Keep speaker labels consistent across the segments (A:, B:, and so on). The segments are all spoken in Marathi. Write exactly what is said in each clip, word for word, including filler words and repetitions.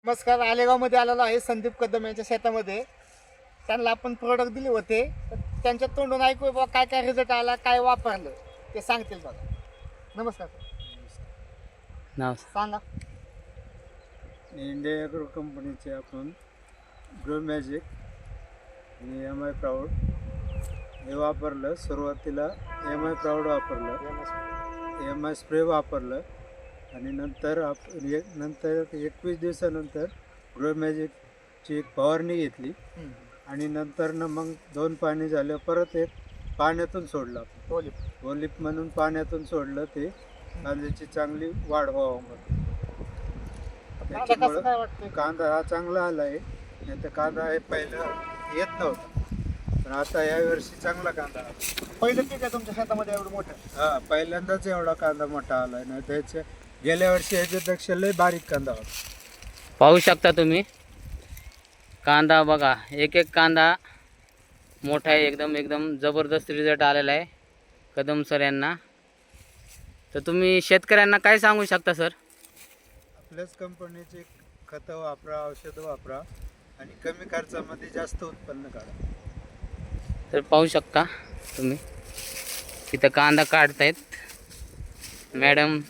A: नमस्कार. आलेगावमध्ये आलेलो आहे संदीप कदम यांच्या शेतामध्ये. त्यांना आपण प्रोडक्ट दिले होते, तर त्यांच्या तोंडून ऐकू बाबा काय काय रिझल्ट आला, काय वापरलं ते सांगतील बघा. नमस्कार
B: नाव
A: सांगा.
C: इंडिया ॲग्रो कंपनीचे आपण ग्रो मॅजिक आणि एम आय प्राऊड हे वापरलं. सुरुवातीला एम आय प्राऊड वापरलं, एम आय स्प्रे वापरलं आणि नंतर आप एक नंतर एकवीस दिवसानंतर ग्रो मॅजिकची एक फवारणी घेतली
A: हम्म.
C: आणि नंतर न मग दोन पाणी झालं, परत एक पाण्यातून सोडलं आपण
A: ओलिप
C: ओलिप म्हणून पाण्यातून सोडलं. ते कांद्याची चांगली वाढ व्हावं म्हणून.
A: आता कसं
C: त्याच्यामुळं
A: काय वाटतंय?
C: कांदा हा चांगला आला आहे. नाही तर कांदा हे पहिलं येत नव्हता, पण आता या वर्षी चांगला कांदा आला.
A: पहिलं पीक आहे तुमच्या शेतामध्ये एवढं मोठं?
C: हा, पहिल्यांदाच एवढा कांदा मोठा आला आहे. नाही त्याच्या गेल्या वर्षी ह्याच्यापेक्षा लय बारीक कांदा होता.
B: पाहू शकता तुम्ही कांदा बघा, एक एक कांदा मोठा आहे, एकदम एकदम जबरदस्त रिझल्ट आलेला आहे कदम सर यांना. तर तुम्ही शेतकऱ्यांना काय सांगू शकता सर?
C: आपल्याच कंपनीचे खतं वापरा, औषधं वापरा आणि कमी खर्चामध्ये जास्त उत्पन्न काढा.
B: तर पाहू शकता तुम्ही इथं कांदा काढतायत मॅडम,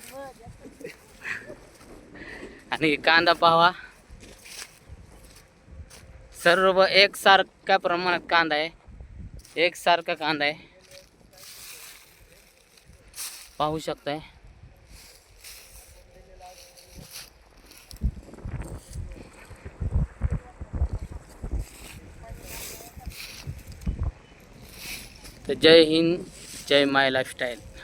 B: आणि कांदा पाहावा, सर्व एकसारख्या प्रमाणात कांदा आहे, एकसारखा कांदा आहे, पाहू शकताय. तर जय हिंद, जय माय लाईफस्टाईल.